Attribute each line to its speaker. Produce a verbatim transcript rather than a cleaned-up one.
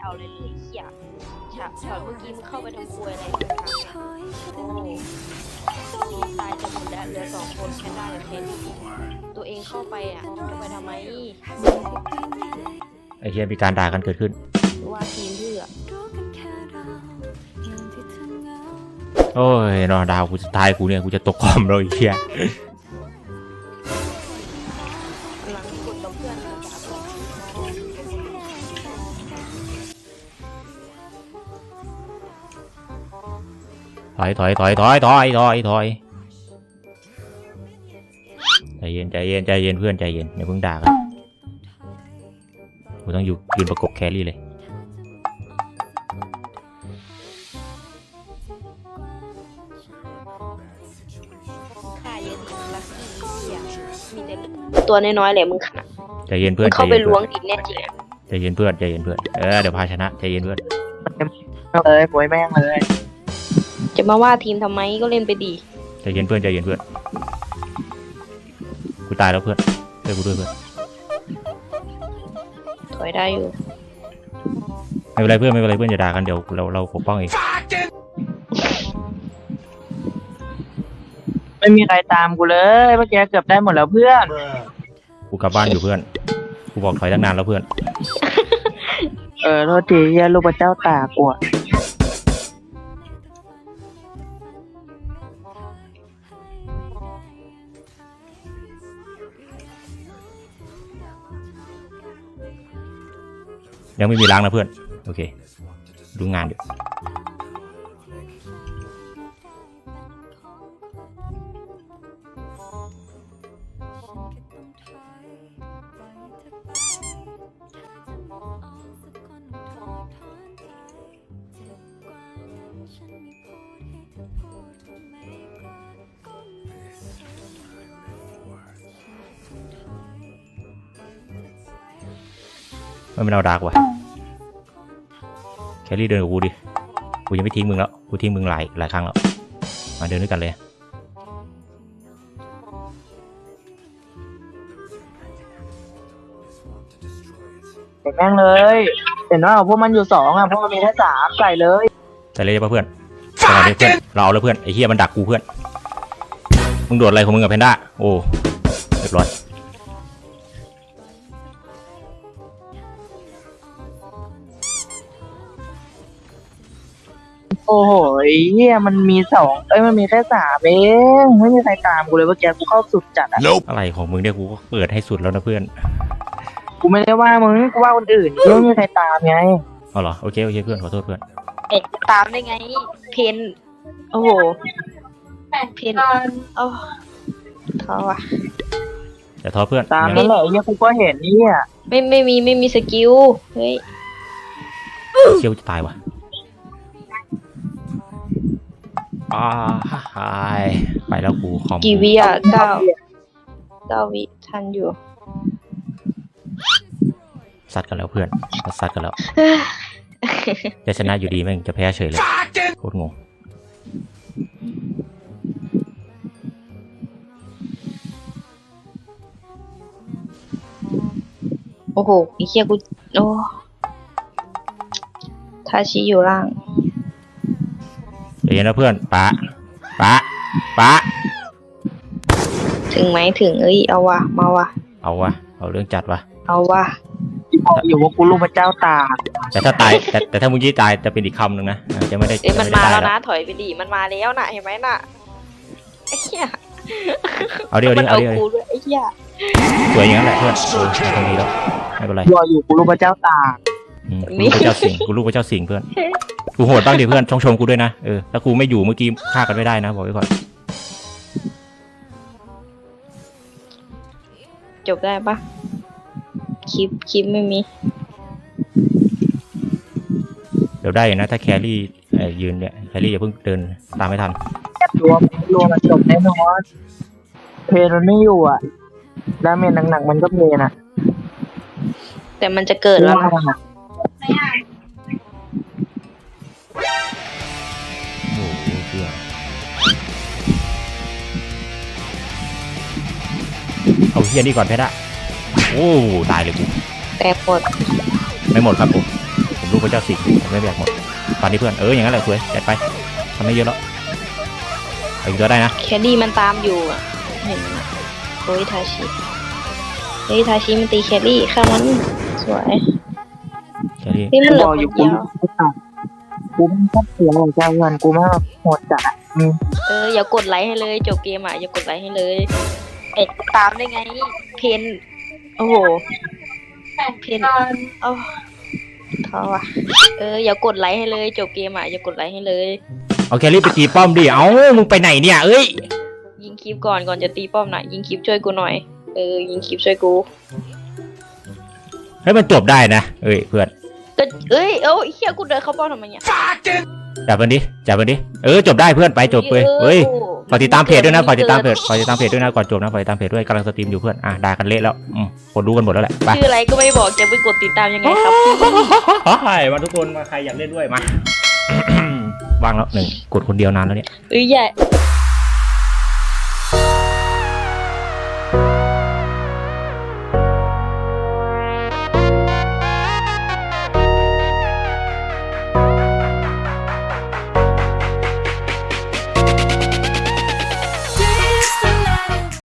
Speaker 1: เอาเลยเลยเหี้ยฉากฉากเมื่อกี้มึงเข้าไปทำครัวอะไรโอ้ทีมตายจะหมดแล้วเหลือสองคนแค่ได้กับเพนตัวเองเข้าไปอ่ะจะไปทำไม
Speaker 2: ไอ้เหี้ยมีการด่ากันเกิดขึ้น
Speaker 1: ว่าทีมเพื่อ
Speaker 2: โอ้ยนอนดาวกูจะตายกูเนี่ยกูจะตกคอมเลยไอ้เหี้ย
Speaker 1: หลังกดกับเพื่อนนะจ๊ะ
Speaker 2: ถอยถอยถอยถอยถอยถอยถอยใจเย็นใจเย็นใจเย็นเพื่อนใจเย็นอย่าเพิ่งด่ากันกูต้องอยู่ยืนประกบแครี่เลย
Speaker 1: ค่าเยอะดีลักกี้เหี้ยมีแต่ตัวน้อยๆแหละมึงค่ะ
Speaker 2: ใจเย็นเพื่อน
Speaker 1: เข้าไปล้วงดินแน่จริง
Speaker 2: ใจเย็นเพื่อนใจเย็นเพื่อนเออเดี๋ยวพาชนะใจเย็นเพื่อน
Speaker 3: เลยป่วยแม่งเลย
Speaker 1: จะมาว่าทีมทำไมก็เล่นไปดี
Speaker 2: ใจเย็นเพื่อนใจเย็นเพื่อนกูตายแล้วเพื่อนช่วยกูด้วยเพื่อน
Speaker 1: ถอยได้อยู่
Speaker 2: ไม่เป็นไรเพื่อนไม่เป็นไรเพื่อนอย่าด่ากันเดี๋ยวเราเราปกป้องเอง
Speaker 3: ไม่มีใครตามกูเลยเมื่อกี้เกือบได้หมดแล้วเพื่อน
Speaker 2: กูกลับบ้านอยู่เพื่อนกูบอกถอยตั้งนานแล้วเพื่อน
Speaker 3: เออโทษทีเหี้ยลูกพระเจ้าตากกู
Speaker 2: ยังไม่มีล้างนะเพื่อนโอเคดูงานอยู่ไม่เป็นเอาดาร์กว่ะแครี่เดินกับกูดิกูยังไม่ทิ้งมึงแล้วกูทิ้งมึงหลายหลายครั้งแล้วมาเดินด้วยกันเลย
Speaker 3: เห็นแม่งเลยเห็นว่าพวกมันอยู่สองอ่ะพวกมันมีแค่สามใส่เลย
Speaker 2: ใส่เลยป่ะเพื่อนใส่เลยเพื่อนเราเอาแล้วเพื่อนไอ้เหี้ยมันดักกูเพื่อนมึงโดดอะไรของมึงกับแพนด้าโอ้เรียบร้อย
Speaker 3: โอ้โหเฮียมันมีสองเอ้ยมันมีแค่สามเองไม่มีใครตามกูเลยเมื่อกี้กูเข้าสุดจัดอะ
Speaker 2: อะไรของมึงเนี่ยกูก็เปิดให้สุดแล้วนะเพื่อน
Speaker 3: กูไม่ได้ว่ามึงกูว่าคนอื่นไม่มีใครตามไง
Speaker 2: อ๋อเหรอโอเคโอเคเพื่อนขอโทษเพื่อน
Speaker 1: เอ็ดตามได้ไงเพนโอ้โหเพนโอ้ท้อว่ะ
Speaker 2: แต่ท้อเพื่อน
Speaker 3: ตามนั่นแหละเฮียกูก็เห็นนี่อ่ะ
Speaker 1: ไม่ไม่มีไม่มีสกิลเฮ้ย
Speaker 2: เชี่ยวจะตายว่ะอ่าหายไปแล้วกูคอม
Speaker 1: กี่วิอ่ะเก้าเก้าวิทันอยู่
Speaker 2: ซัดกันแล้วเพื่อนซัดกันแล้วจะชนะอยู่ดีแม่งจะแพ้เฉยเลยโคตรงง
Speaker 1: โอ้โหไอ้เหี้ยกูโอ้ทาชิอยู่ล่าง
Speaker 2: เดี๋ยวนะเพื่อนปะปะปะ
Speaker 1: ถึงไหมถึงเอ้ยเอาวะมาวะ
Speaker 2: เอาวะเอาเรื่องจัดวะ
Speaker 1: เอาวะ
Speaker 3: อยู่ว่ากูลูกพระเจ้าตา
Speaker 2: แต่ถ้าตายแต่แต่ถ้ามึงยี่ตายจะเป็นอีกคำหนึ่งนะจะไม่ได้
Speaker 1: เอ้ยมันมาแล้วนะถอยไปดิมันมาแล้วน่ะเห็นไหมน่ะไอ้เหี้ย
Speaker 2: เอาเดี๋ยวดิเอาเดี๋ยว
Speaker 1: ไอ้เหี้ย
Speaker 2: สวยอย่างนั้นแหละเพื่อนโอ้ยตรงนี้แล้วไม่เป็นไร
Speaker 3: รออยู่กูลูกพระเจ้าตา
Speaker 2: กูลูกพระเจ้าสิงกูลูกพระเจ้าสิงเพื่อนกูโหดบ้างดิเพื่อนชงชมกูด้วยนะเออถ้ากูไม่อยู่เมื่อกี้ฆ่ากันไม่ได้นะบอกไว้ก่อน
Speaker 1: จบได้ปะคลิปคลิปไม่มี
Speaker 2: เดี๋ยวได้นะถ้าแครี่ยืนเนี่ยแครี่อย่าเพิ่งเดินตามไม่ทัน
Speaker 3: รวมรวมมันจบแน่นอนเพลมันไม่อยู่อ่ะดาเมจหนักๆมันก็เพลนะ
Speaker 1: แต่มันจะเกิดแล้วนะ
Speaker 2: โอ้โหเชื่อเอาเฮียนี่ก่อนเพชรอะโอ้ตายเลยกู
Speaker 1: แต่หมด
Speaker 2: ไม่หมดครับผมผมลูกพระเจ้าสิงห์ไม่แบกหมดตอนนี้เพื่อนเอออย่างนั้นแหละสวยจัดไปทำได้เยอะแล้วเอาอีกตัวได้นะ
Speaker 1: แคดดี้มันตามอยู่อ่ะเห็นไหมโอ้ยทาชิเฮ้ยทาชิมันตีแคดดี้ข้ามันสวย
Speaker 2: แค่นี้
Speaker 1: นี่มันเหลื
Speaker 3: บ
Speaker 1: อ
Speaker 3: อก
Speaker 1: ค
Speaker 3: อยู่
Speaker 1: น
Speaker 3: กู
Speaker 1: เดียว
Speaker 3: ไม่ตัดกูไม่ชอบเสียหัวใจเงินกูมากโหดจัดอะอืม
Speaker 1: เอออย่ากดไลค์ให้เลยจบเกมอ่ะอย่ากดไลค์ให้เลยเอ็ดตามได้ไงเพนโอ้โหเพนเอาเขาอ่ะเอออย่ากดไลค์ให้เลยจบเกมอ่ะอย่ากดไลค์ให้เลย
Speaker 2: เอาแครี่ไปตีป้อมดิเอ้ามึงไปไหนเนี่ยเอ้ย
Speaker 1: ยิงคลิปก่อนก่อนจะตีป้อมหน่อยยิงคลิปช่วยกูหน่อยเออยิงคลิปช่วยกู
Speaker 2: ให้มันจบได้นะเอ้ยเพื่อน
Speaker 1: ก็เอ้ยเอ้าเฮียกูเดินเข้าป้อมทำไมเนี่ย
Speaker 2: จับมันดิจับมันดิเออจบได้เพื่อนไปจบเลยเฮ้ยฝากติดตามเพจด้วยนะฝากติดตามเพจฝากติดตามเพจด้วยนะก่อนจบนะฝากติดตามเพจด้วยกำลังสตรีมอยู่เพื่อนอ่ะด่ากันเละแล้วอืมคนรู้กันหมดแล้วแหละไป
Speaker 1: ชื่ออะไรก็ไม่บอกจะไปกดติดตามยังไงครับ
Speaker 2: มาทุกคนมาใครอยากเล่นด้วยมา วางแล้วหนึ่งกดคนเดียวนานแล้วเนี่ย
Speaker 1: เอ้ยอย่า